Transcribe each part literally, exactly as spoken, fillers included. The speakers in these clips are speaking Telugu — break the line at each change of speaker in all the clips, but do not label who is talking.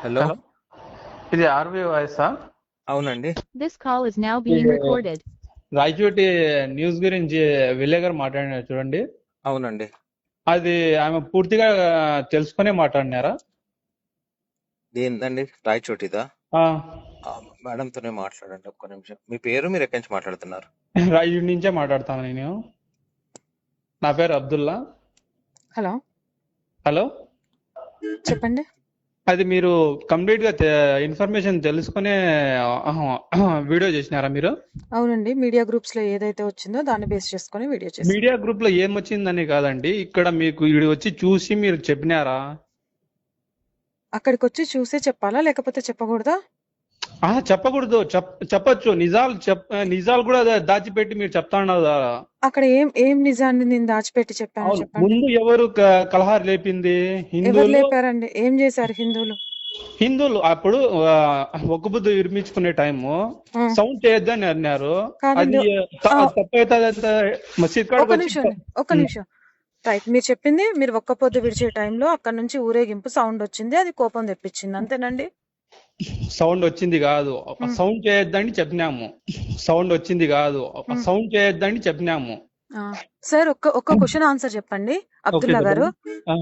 హలో
హలో
ఇది ఆర్వి వాయిసా?
అవునండి.
This call is now being
ఇది
recorded.
రాయచోటి న్యూస్ గురించి విలే గారు మాట్లాడినారు చూడండి.
అవునండి.
అది ఆమె పూర్తిగా తెలుసుకునే మాట్లాడినారా?
ఏందండి రాయచోటిదా?
ఆ,
ఆ, మేడంతోనే మాట్లాడండి ఒక్క నిమిషం. మీ పేరు, మీరు ఎక్కడి నుంచి మాట్లాడుతున్నారు?
రాయచోటి నుంచే మాట్లాడతాను నేను. నా పేరు అబ్దుల్లా.
హలో
హలో,
చెప్పండి.
అది మీరు కంప్లీట్ గా ఇన్ఫర్మేషన్ తెలుసుకునే వీడియో చేసినారా మీరు?
అవునండి, మీడియా గ్రూప్స్ లో ఏదైతే వచ్చిందో దాన్ని బేస్ చేసుకొని వీడియో చేసి
మీడియా గ్రూప్ లో ఏమొచ్చిందని కాదండి, ఇక్కడ మీకు ఇది వచ్చి చూసి మీరు చెప్పినారా?
అక్కడికి వచ్చి చూసే చెప్పాలా లేకపోతే చెప్పకూడదా?
ఆ చెప్పకూడదు, చెప్ చెప్పొచ్చు. నిజాలు చెప్ నిజాలు కూడా దా- దాచిపెట్టి మీరు చెప్తా ఉన్నారు కదా.
అక్కడ ఏం ఏం నిజాన్ని నేను దాచిపెట్టి చెప్పాను
అవును,
చెప్పండి.
ముందు ఎవరు క- కలహారు లేపింది?
ఎవరు
హిందువులు.
లేపారండి? ఏం చేశారు హిందువులు?
హిందువులు అప్పుడు ఆ, ఒక్క బుద్ధి విరమించుకునే టైము
ఆ,
సౌండ్ చేయొద్దని అన్నారు. అది
కాదండి.
త-
ఆ,
తప్పైతే మసీద్ కాడికి
ఒక
వచ్చి
నిమిషం అండి, ఒక
ఉమ్,
నిమిషం. రైట్, మీరు చెప్పింది మీరు ఒక్క పొద్దు విడిచే టైంలో అక్కడ నుంచి ఊరేగింపు సౌండ్ వచ్చింది, అది కోపం తెప్పించింది, అంతేనండి?
సౌండ్ వచ్చింది కాదు,
ఉమ్,
సౌండ్ చేయొద్దని చెప్పినాము. సౌండ్ వచ్చింది కాదు,
ఉమ్.
సౌండ్ చేయొద్దని చెప్పినాము.
ఆ, సార్ ఒక్క ఒక్క క్వశ్చన్ ఆన్సర్ చెప్పండి
ఓకే
అబ్దుల్లా గారు.
చెప్పండి. ఆ.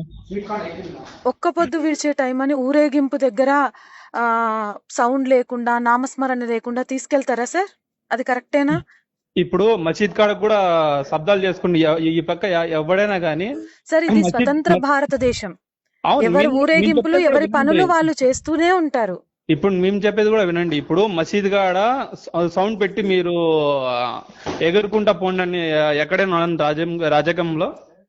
ఒక్క పొద్దు విడిచే టైం అని ఊరేగింపు దగ్గర ఆ సౌండ్ లేకుండా నామస్మరణ లేకుండా తీసుకెళ్తారా సార్? అది కరెక్టేనా?
ఇప్పుడు మసీద్ కాడ కూడా శబ్దాలు చేసుకుని ఎ- ఈ పక్క ఎ- ఎవడైనా కానీ
సార్ ఇది
మసీద్
స్వతంత్ర
మస్-
భారతదేశం.
అవును,
ఎవరి
మేము మేము
ఊరేగింపులు
చెప్పేది కూడా
ఎవరి పనులు
వినండి.
వాళ్ళు చేస్తూనే ఉంటారు.
ఇప్పుడు మేము చెప్పేది కూడా వినండి. ఇప్పుడు మసీద్ కాడ స- సౌండ్ పెట్టి మీరు ఆ, ఎగురుకుంటా పోండి అని ఎక్కడైనా ఉన్నది రాజ్యం రాజకంలో?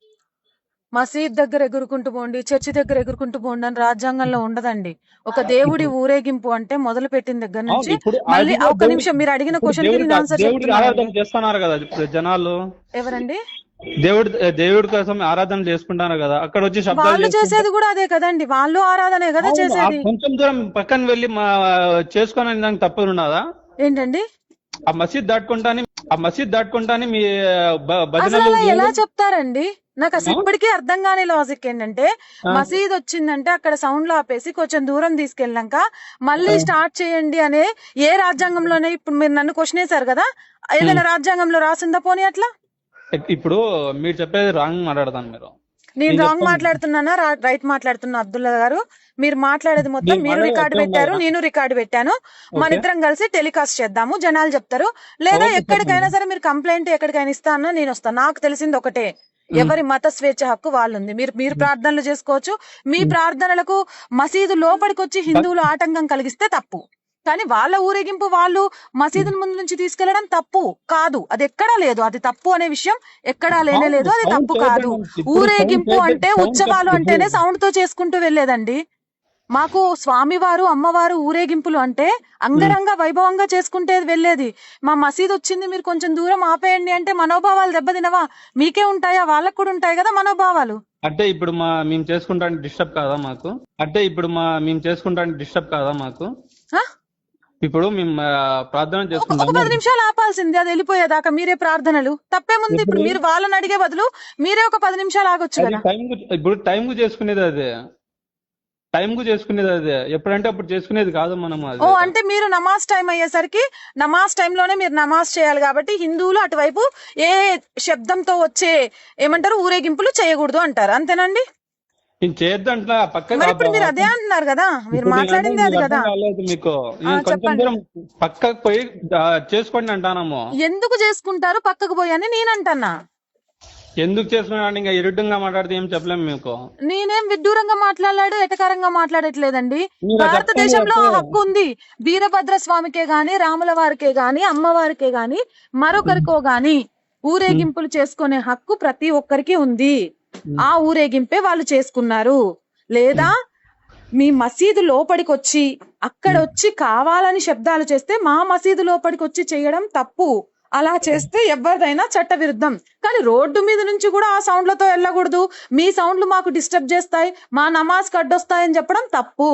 మసీద్ దగ్గర ఎగురుకుంటూ పోండి, చర్చి దగ్గర ఎగురుకుంటూ పోండి అని రాజ్యాంగంలో ఉండదండి. ఒక దేవుడి ఊరేగింపు అంటే మొదలు పెట్టిన దగ్గర
అవును,
నుంచి
ఇప్పుడు
మళ్ళీ
అది కూడా
ఒక
దేవుడి
నిమిషం, మీరు అడిగిన
ఇప్పుడు
క్వశ్చన్ కి
దేవుడికి
నేను ఆన్సర్
దేవుడికి
చెప్తున్నానండి.
ఆరాధన చేస్తున్నారు కదా ఇప్పుడు జనాలు.
ఎవరండి?
దేవుడి దేవుడి కోసం ఆరాధన చేసుకుంటారు కదా, అక్కడ వచ్చి శబ్దాలు
వాళ్ళు
చేసుకుంటే.
చేసేది కూడా అదే కదండి, వాళ్ళు ఆరాధనే కదా
అవును, ఆ
చేసేది.
కొంచెం దూరం పక్కన వెళ్ళి మా చేసుకోనని దానికి తప్పదు ఉన్నదా?
ఏంటండి?
ఆ మసీద్ దాటుకుంటానే ఆ మసీద్ దాటుకుంటానే మీ బ-
అసలు
భజనలు
అలా ఎలా
దేవుడు.
చెప్తారండి? నాకు అసలు
ఆ?
ఇప్పటికీ అర్థం కాని లాజిక్ ఏంటంటే,
ఆ?
మసీద్ వచ్చిందంటే అక్కడ సౌండ్ లో ఆపేసి కొంచెం దూరం తీసుకెళ్ళాక మళ్ళీ
ఆ?
స్టార్ట్ చేయండి అనే ఏ రాజ్యాంగంలోనే, ఇప్పుడు మీరు నన్ను క్వశ్చన్ వేశారు కదా, ఏదైనా
ఉమ్.
రాజ్యాంగంలో రాసిందా పోనీ అట్లా?
ఇప్పుడు మీరు చెప్పేది రాంగ్ మాట్లాడతాను మీరు.
నేను
నేను
రాంగ్
చెప్తాను,
మాట్లాడుతున్నానా రా- రైట్ మాట్లాడుతున్నా అబ్దుల్లా గారు? మీరు మాట్లాడేది మొత్తం
మీరు
మీరు
మాట్లాడేది
రికార్డు
అట్లే
పెట్టారు,
ఉండాలా?
నేను రికార్డు పెట్టాను. మన
ఓకే,
ఇద్దరం కలిసి టెలికాస్ట్ చేద్దాము, జనాలు చెప్తారు. లేదా
ఓకే
ఎక్కడికైనా
చెప్పండి.
సరే మీరు కంప్లైంట్ ఎక్కడికైనా ఇస్తానో నేను వస్తాను. నాకు తెలిసింది ఒకటే,
ఉమ్,
ఎవరి మత స్వేచ్ఛ హక్కు వాళ్ళుంది. మీరు మీరు ప్రార్థనలు చేసుకోవచ్చు. మీ
ఉమ్.
ప్రార్థనలకు మసీదు లోపలికి వచ్చి
బట్
హిందువులు ఆటంకం కలిగిస్తే తప్పు. కానీ వాళ్ళ ఊరేగింపు వాళ్ళు మసీదుల ముందు నుంచి తీసుకెళ్లడం తప్పు కాదు. అది ఎక్కడా లేదు, అది తప్పు అనే విషయం ఎక్కడా లేనే
అవును,
లేదు, అది
సౌండ్
తప్పు కాదు.
చేయొద్దండి. ఇప్పుడు సౌండ్
ఊరేగింపు
చేయొద్దు,
అంటే
సౌండ్
ఉత్సవాలు
ఇప్పుడు
అంటేనే సౌండ్ తో చేసుకుంటూ వెళ్లేదండి. మాకు స్వామివారు అమ్మవారు ఊరేగింపులు అంటే
ఉమ్.
అంగరంగ వైభవంగా చేసుకుంటే వెళ్ళేది. మా మసీద్ వచ్చింది మీరు కొంచెం దూరం ఆపేయండి అంటే మనోభావాలు దెబ్బతినవా? మీకే ఉంటాయా? వాళ్ళకు కూడా ఉంటాయి కదా మనోభావాలు.
అంటే ఇప్పుడు మా మేము చేసుకుంటానికి డిస్టర్బ్ కాదా మాకు? అంటే ఇప్పుడు మా మేము చేసుకుంటానికి డిస్టర్బ్ కాదా మాకు?
ఆ?
ఇప్పుడు మేము ఆ, ప్రార్థన
ఒక ఒక
చేసుకుంటాము.
పది నిమిషాలు ఆపాల్సింది, అది వెళ్ళిపోయేదాకా మీరే ప్రార్థనలు. తప్పేముంది?
ఇప్పుడు
ఇప్పుడు మీరు వాళ్ళని అడిగే బదులు మీరే ఒక పది నిమిషాలు ఆగొచ్చు
అది
కదా.
టైం ఇప్పుడు టైం కు చేసుకునేది అదే, టైం కు చేసుకునేది అదే, ఎప్పుడంటే అప్పుడు చేసుకునేది కాదు మనం
ఓ,
అది.
అంటే మీరు నమాజ్ టైం అయ్యేసరికి నమాజ్ టైంలోనే మీరు నమాజ్ చేయాలి కాబట్టి హిందువులు అటువైపు ఏ శబ్దంతో వచ్చే ఏమంటారు ఊరేగింపులు చేయకూడదు అంటారు, అంతేనండి?
నేను చేయొద్దంట్లా, పక్క
మరి ఇప్పుడు మీరు అదే అంటున్నారు కదా, మీరు
ఇప్పుడు నేను అంటే
మాట్లాడింది అది
మీకు
కదా.
అర్థం కాలేదు మీకు.
ఆ,
నేను కొంచెం
చెప్పండి.
దూరం పక్కకు పోయి ఆ, చేసుకోండి అంటానము.
ఎందుకు చేసుకుంటారు పక్కకు పోయి అని నేను అంటున్నా.
ఎందుకు చేసుకున్నాను ఇంకా ఇరుడ్డంగా మాట్లాడితే ఏం చెప్పలేము మీకు.
నేనేం విడ్డూరంగా మాట్లాడాడు, ఎటకారంగా మాట్లాడట్లేదండి.
మీరు చెప్తాను
భారతదేశంలో ఆ
చెప్తే
హక్కు ఉంది. వీరభద్ర స్వామికే గాని, రాముల వారికే గాని, అమ్మవారికే గాని, మరొకరికో గాని ఊరేగింపులు చేసుకునే హక్కు ప్రతి ఒక్కరికి ఉంది. ఆ ఊరేగింపే వాళ్ళు చేసుకున్నారు. లేదా మీ మసీదు లోపలికి వచ్చి అక్కడ వచ్చి కావాలని శబ్దాలు చేస్తే మా మసీదు లోపలికి వచ్చి చేయడం తప్పు. అలా చేస్తే ఎవరిదైనా చట్ట విరుద్ధం. కానీ రోడ్డు మీద నుంచి కూడా ఆ సౌండ్లతో వెళ్ళకూడదు, మీ సౌండ్లు మాకు డిస్టర్బ్ చేస్తాయి, మా నమాజ్ కడ్డొస్తాయని చెప్పడం తప్పు.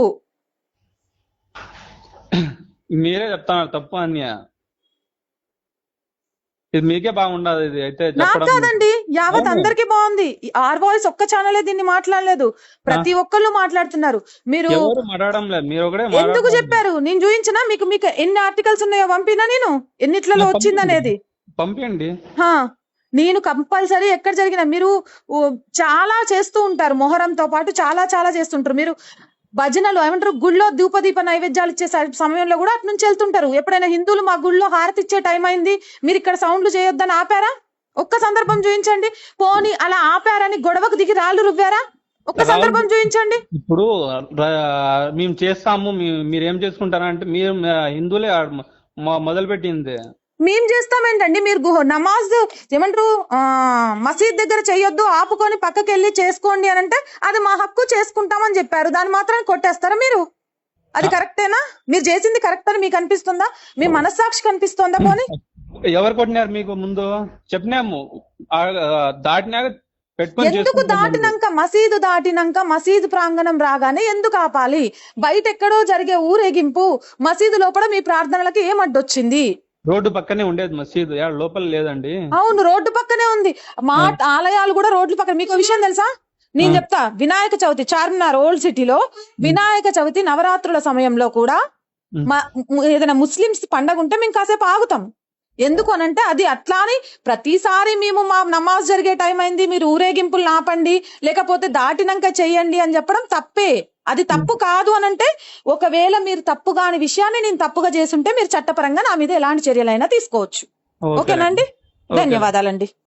మీరే చెప్తాను తప్పు అని. ఇది మీకే బాగుండదు ఇది అయితే
నాకు
చెప్పడం.
కాదండి, యావత్
అవును.
అందరికి బాగుంది. ఆర్ వాయిస్ ఒక్క ఛానలే దీన్ని మాట్లాడలేదు, ప్రతి ఒక్కళ్ళు మాట్లాడుతున్నారు. మీరు
ఎవరు మాట్లాడడం లేదు, మీరు ఒకటే
ఎందుకు
మాట్లాడుతున్నారు.
చెప్పారు? నేను చూపించినా మీకు? మీకు ఎన్ని ఆర్టికల్స్ ఉన్నాయో పంపినా నేను, ఎన్నిట్లలో
నాకు
వచ్చింది అనేది.
పంపించండి.
హా, నేను కంపల్సరీ ఎక్కడ జరిగినా మీరు ఓ, చాలా చేస్తూ ఉంటారు, మొహరంతో పాటు చాలా చాలా చేస్తుంటారు మీరు. భజనలు ఏమంటారు, గుళ్ళో ధూపదీప నైవేద్యాలు ఇచ్చే స- సమయంలో కూడా అటు నుంచి వెళ్తుంటారు. ఎప్పుడైనా హిందువులు మా గుళ్ళో హారతి ఇచ్చే టైం అయింది, మీరు ఇక్కడ సౌండ్లు చేయొద్దని ఆపారా? ఒక్క సందర్భం చూపించండి. పోనీ అలా ఆపారని గొడవకు దిగి రాళ్ళు రువ్వారా? ఒక్క సందర్భం చూపించండి.
ఇప్పుడు ర- మేము చేస్తాము, మీ- మీరు ఏం చేసుకుంటారంటే మీరు మ- హిందువులే మొ- మొదలు పెట్టింది.
మేం చేస్తామేంటండి? మీరు గుహ- నమాజ్ ఏమంటారు, ఆ మసీద్ దగ్గర చెయ్యొద్దు, ఆపుకొని పక్కకి వెళ్ళి చేసుకోండి అని అంటే అది మా హక్కు, చేసుకుంటామని చెప్పారు. దాని మాత్రం కొట్టేస్తారా మీరు? అది కరెక్టేనా? మీరు చేసింది కరెక్ట్ అని మీకు అనిపిస్తుందా? మీ మనస్సాక్షి కనిపిస్తుందా? పోనీ
ఎవరు కొట్టినారు మీకు ముందు? చెప్పినాము ఆ, దాటినాక పెట్టుకొని
ఎందుకు
చేసుకుంటాం మేము.
దాటినాక, మసీదు దాటినాక, మసీదు ప్రాంగణం రాగానే ఎందుకు ఆపాలి? బయట ఎక్కడో జరిగే ఊరేగింపు మసీదు లోపల మీ ప్రార్థనలకి ఏం అడ్డొచ్చింది?
రోడ్డు పక్కనే ఉండేది మసీదు, యాడ లోపల లేదండి.
అవును, రోడ్డు పక్కనే ఉంది. మా ఆలయాలు కూడా రోడ్ల పక్కన. మీకు విషయం తెలుసా? నేను చెప్తా. వినాయక చవితి చార్మినార్ ఓల్డ్ సిటీలో వినాయక చవితి నవరాత్రుల సమయంలో కూడా మా- ఏదైనా ముస్లిమ్స్ పండగ ఉంటే మేము కాసేపు ఆగుతాం. ఎందుకు అనంటే అది అట్లానే ప్రతిసారి మేము మా నమాజ్ జరిగే టైం అయింది, మీరు ఊరేగింపులు ఆపండి, లేకపోతే దాటినాక చెయ్యండి అని చెప్పడం తప్పే. అది తప్పు కాదు అనంటే, ఒకవేళ మీరు తప్పు కాని విషయాన్ని నేను తప్పుగా చేసుంటే మీరు చట్టపరంగా నా మీద ఎలాంటి చర్యలైనా తీసుకోవచ్చు.
ఓకే.
ఓకేనండి?
ఓకే.
ధన్యవాదాలండి.